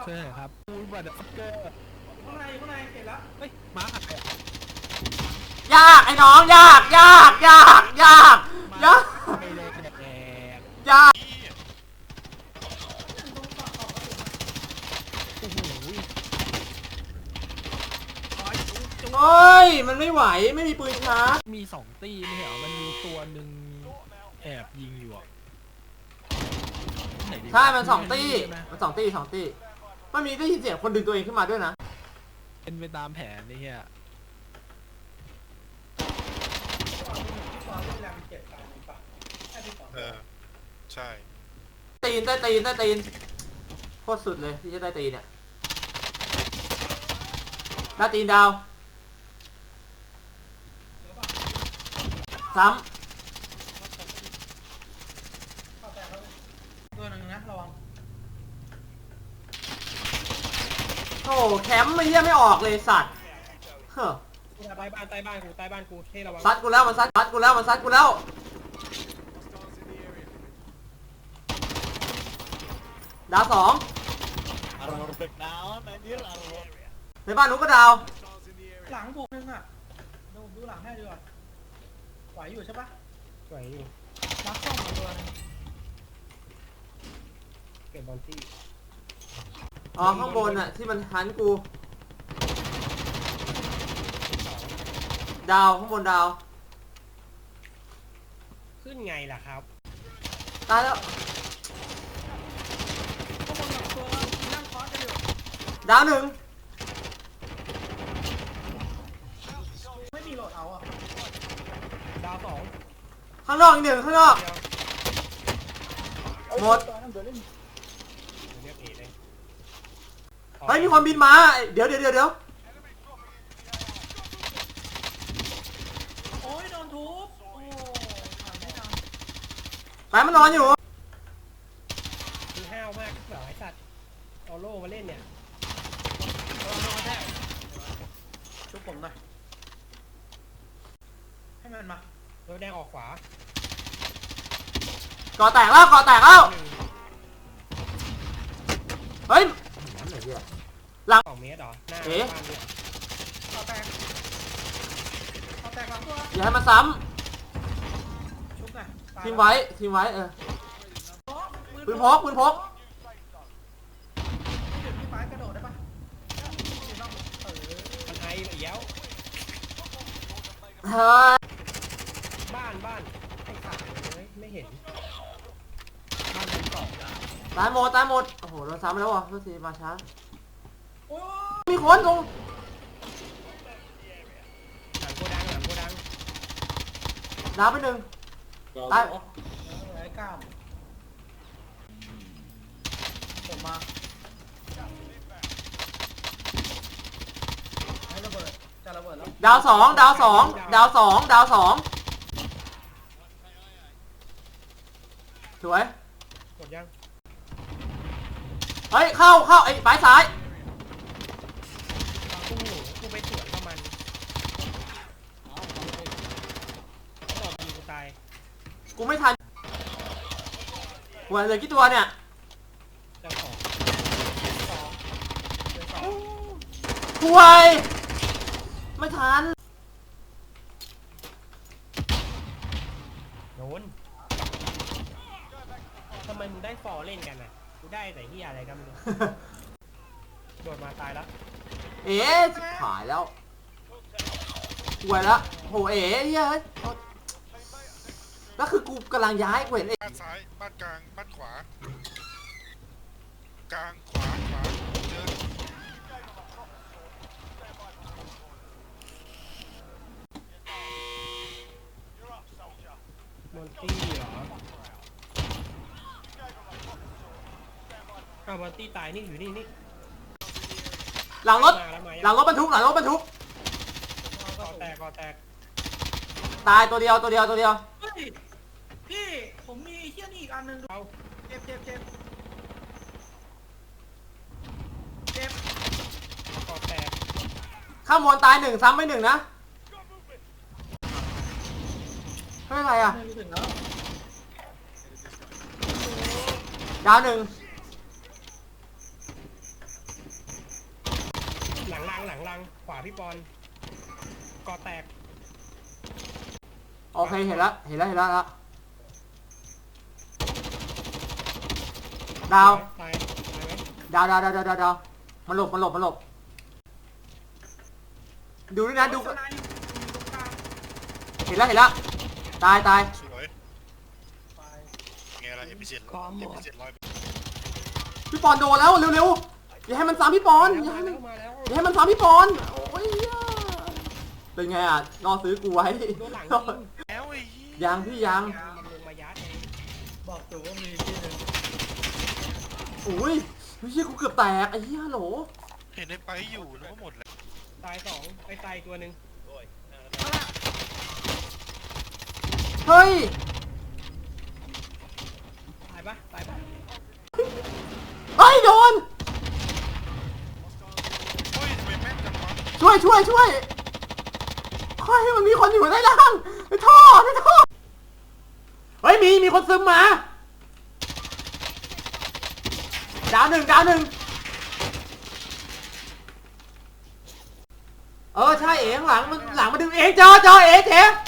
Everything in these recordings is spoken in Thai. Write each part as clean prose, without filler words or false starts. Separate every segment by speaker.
Speaker 1: ช่วยหน่อยครับบัตรฟักเกอร์ข้างในเห็นแล้วเฮ้ยม้าหาย
Speaker 2: ยากไอ้น้องยากยากยากยากยาก
Speaker 1: ไม่ได้แดก
Speaker 2: ยาก
Speaker 1: โอ้โห
Speaker 2: เฮ้ยมันไม่ไหวไม่มีปืนชาร์จ
Speaker 1: มี2ตีไม่เหรอมันมีตัวหนึ่งแอบยิงอยู่อ่ะ
Speaker 2: ใช่มัน2 ตีมัน2 ตีมันมีได้ยินเสียงคนดึงตัวเองขึ้นมาด้วยนะ
Speaker 1: เป็นไปตามแผนนี่เฮีย
Speaker 3: ใช่
Speaker 2: ตีนโคตรสุดเลยที่จะได้ตีนเนี่ยได้ตีนดาวซ้ำตัวหนึ่งนะระวังโอ้แคมป์ไม่เยี่ยไม่ออกเลยสัตว์เฮ้อ
Speaker 4: ใต้บ้านกูให้ระวัง
Speaker 2: ซัดกูแล้วมันซัดกูแล้วดาว2ในบ้านหนูก็ดาว
Speaker 4: หลังผมนึงอ่ะดูหลังให้ดีกว่าไหวอยู่ใช่ปะไหวอยู่รักเข้ามาตัวนึงเก็บบอลที่
Speaker 2: อ๋อข้างบนอ่ะที่มันหันกูดาวข้างบนดาว
Speaker 4: ขึ้นไงล่ะครับ
Speaker 2: ตายแล้วดาว1
Speaker 4: ไม่มีโหลดเอาอ่ะดาว2
Speaker 2: ข้างนอกอีก1ข้างนอกหมดเฮ้ยมีคนบินมาเดี๋ยว
Speaker 4: โอ้ยโดนทุบโอ้ผ่านไม่ทัน
Speaker 2: ไปมันนอนอยู่
Speaker 4: คือห้าวมากเหรอไอ้สัตว์เอาโล่มาเล่นเนี่ยเอาโล่มาแทบชุบผมหน่อยให้มันมาตัวแดงออกขวา
Speaker 2: ก่อแตกแล้วเฮ้ยหลัง
Speaker 4: 2 เมตรเหรอหน้า
Speaker 2: เ
Speaker 4: บ้านเนี่ยก่อแตกหลังตัว
Speaker 2: อย่าให้มันซ้
Speaker 4: ำชุบหน่อย
Speaker 2: ทีมไว้ปืนพก
Speaker 4: พี่ฟ้ากระโดดได้ปะมันไอเอี้ยว
Speaker 2: เฮ้ย
Speaker 4: บ้านไอ้สัตว์เลยไม่เห็นบ้านชั้น2
Speaker 2: ตายหมดโอ้โหโดนซ้ำแล้วอ่ะเพื่อนทีมาช้ามีคน
Speaker 4: หลังโกดัง
Speaker 2: ดาวไป1ตาย
Speaker 4: ไอ้ก้ามผมมาให้ระเบิดจะระเบิดแล้ว
Speaker 2: ดาว2สวย
Speaker 4: หมดยัง
Speaker 2: เฮ้ยเข้าไอ้ฝ่ายซ้าย
Speaker 4: กูไปสวนกับมันตอบยิงกูตาย
Speaker 2: กูไม่ทันหัวเหลือกี่ตัวเนี่ยห่วยไม่ทัน
Speaker 4: โดนทำไมมึงได้ฟอร์เล่นกันอ่ะกูได้แต่เหี้ยอะไรกันมึงโดดมาตายแล้ว
Speaker 2: หายแล้วห่วยแล้วโหเฮ้ยแล้วคือกูกำลังย้ายเว้ย
Speaker 3: บ้านซ้ายบ้านกลางบ้านขวากลางขวาเจอ
Speaker 4: มอนตี้เหรอมอนตี้ตายนี่อยู่นี่
Speaker 2: หลังรถบรรทุกก่
Speaker 4: อแตก
Speaker 2: ตายตัวเดียว
Speaker 4: พี่ผมมีเหี้ยนี่อีกอันนึงดูเจ็บก่อแตก
Speaker 2: ข้ามบนตาย1ซ้ำไป1นะไม่เป็นไรอ่ะดาว1
Speaker 4: พี่ปอนกอแตก
Speaker 2: โอเคเห็นละละดาว
Speaker 4: ตายไหม
Speaker 2: ดาวมันหลบดูด้วยนะดูเห็นละตาย
Speaker 3: สวยไงล่ะเอพิเซนร้อย
Speaker 2: พี่ปอนโดนแล้วเร็วอย่าให้มันซ้ำพี่ปอนอย่าให้มันซ้ำพี่ปอนโอ้ยเป็นไงอ่ะรอซื้อกูไว้
Speaker 4: โดนหลังยิง
Speaker 3: แล้วไอ้
Speaker 2: ยังพี่ยัง
Speaker 4: มันลงมายัดเอง
Speaker 1: บอกตัวว่ามีที่หนึ่ง
Speaker 2: อุ้ยเฮียกูเกือบแตกไอ้เหี้ยฮัลโหล
Speaker 3: เห็นในไปอยู่นึกว่าหมดแล้ว
Speaker 4: ตายสองไปตายตัวหนึ่ง
Speaker 2: เฮ้ย
Speaker 4: ตายปะ
Speaker 2: เฮ้ยโดน
Speaker 3: เฮ้ยทำไมแม่นจังวะ
Speaker 2: ช่วยเฮ้ยมันมีคนอยู่ใต้ล่างในท่อเฮ้ยมีคนซึมมาดาวหนึ่งใช่เอ๋ข้างหลังมันดึงเองจอเอ๋เถอะ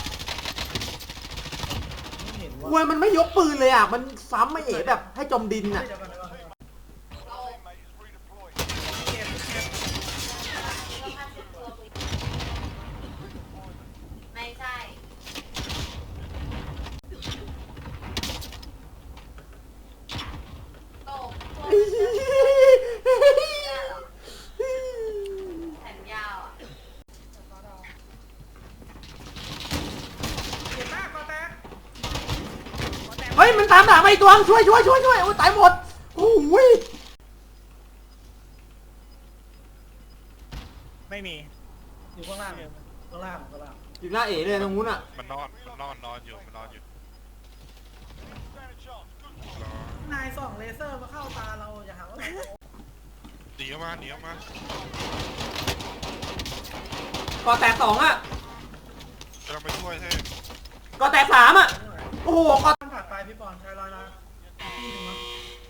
Speaker 2: กวยมันไม่ยกปืนเลยอ่ะมันซ้ำไม่เอ๋แบบให้จมดินอ่ะ
Speaker 5: ไม่ใช่ โตตัวแขนยาวอ่ะ
Speaker 1: เจ็บมากกอแตก
Speaker 2: เฮ้ยมันตามด่ามาอีกตัวช่วยโอ้ยตายหมดโอ้ย
Speaker 1: ไม่มีอยู่ข้างล่าง
Speaker 2: อยู่หน้าเอ๋เลยตรงนู้นอ่ะ
Speaker 3: มันนอนอยู่
Speaker 1: นายส่องเลเซอร์มาเข้าตาเราอย่าหาว่า
Speaker 3: หนีออกมา
Speaker 2: ก่อแตก2อ่ะ
Speaker 3: กำลังไปช่วยให้
Speaker 2: ก่อแตก3อ่ะโอ้โหก่อ
Speaker 1: ต้องผ่านไปพี่ปอนใช้ลอยนะที่หนึ่งมั้ง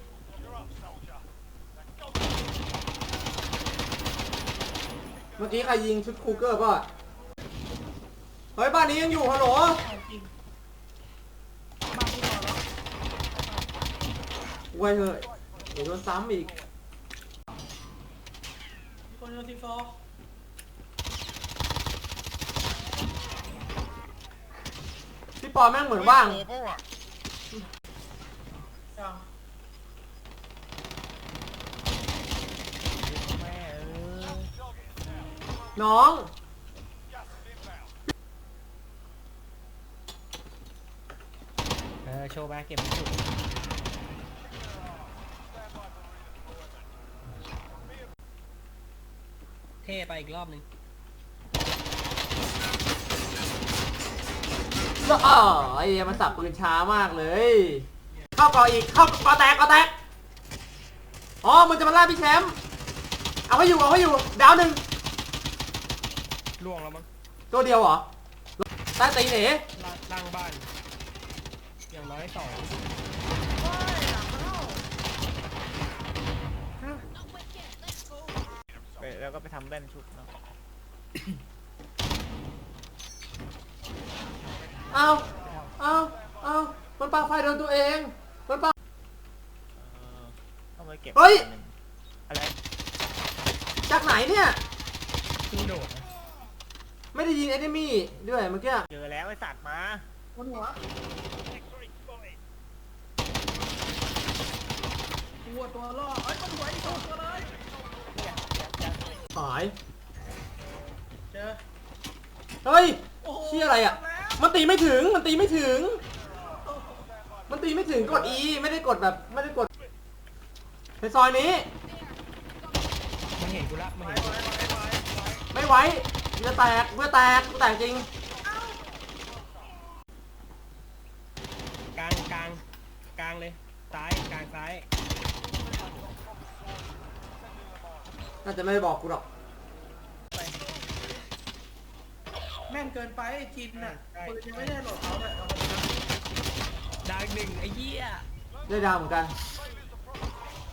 Speaker 2: เมื่อกี้ใครยิงชุดคูเกอร์ป่ะเฮ้ยบ้านนี้ยังอยู่ฮัลโหล
Speaker 1: จริงบ้านพี่ปอนแล้ว
Speaker 2: เว้ยเฮ้ยเดี๋ยวโดนซ้ำอีก
Speaker 1: มีคนโยนทีโฟ
Speaker 2: พี่ปอแม่งเหมือนว่าง
Speaker 3: โอ้โหอ่ะ
Speaker 1: ยัง
Speaker 2: น้อง
Speaker 4: โชว์แบ็คเก็บไม่สุดเท่ไปอีกรอบหนึ่ง
Speaker 2: แล้วไอ้มันสับปืนช้ามากเลย เข้าก่ออีกเข้าก่อแตกอ๋อมันจะมาล่าพี่แชมป์เอาให้อยู่ดาวหนึ่ง
Speaker 4: ล่วงแล้วมั้ง
Speaker 2: ตัวเดียวเหรอใต้ตีนเอ๋
Speaker 4: ล่างบ้าน อย่างน้อย2
Speaker 1: แล้วก็ไปทำแบนชุดเนาะ
Speaker 2: เอามันปาไฟโดนตัวเองมันปา
Speaker 1: ต้องไปเก็บ
Speaker 2: เฮ้ย
Speaker 1: อะไร
Speaker 2: จากไหนเนี่ย
Speaker 4: ขึ้นโดดนะ
Speaker 2: ไม่ได้ยินเอนิมี่ด้วยเมื่อกี้
Speaker 1: เจอแล้วไอ้สัตว์มาบนหัวตัวล่อเอ้ยบนหัวอีกตัวเลย
Speaker 2: หาย
Speaker 1: เจอ
Speaker 2: เฮ้ย
Speaker 1: โอ้โห
Speaker 2: เชี่ยอะไรอ่ะ มันตีไม่ถึงกด E ไม่ได้กดแบบไม่ได้กดในซอยนี้
Speaker 4: มันเห็นกูละมันเห็นกูละ
Speaker 2: ไม่ไหวจะแตกกูแตกจริง
Speaker 4: กลางเลยซ้ายกลางซ้าย
Speaker 2: น่าจะไม่ได้บอกกูหรอก
Speaker 1: แม่นเกินไปจินน่ะปืนยังไม่ได้โหลดเขาเลยเอาไปนะ
Speaker 4: ดาวอีกหนึ่งไอ้เหี้ย
Speaker 2: ได้ดาวเหมือนกัน
Speaker 1: เ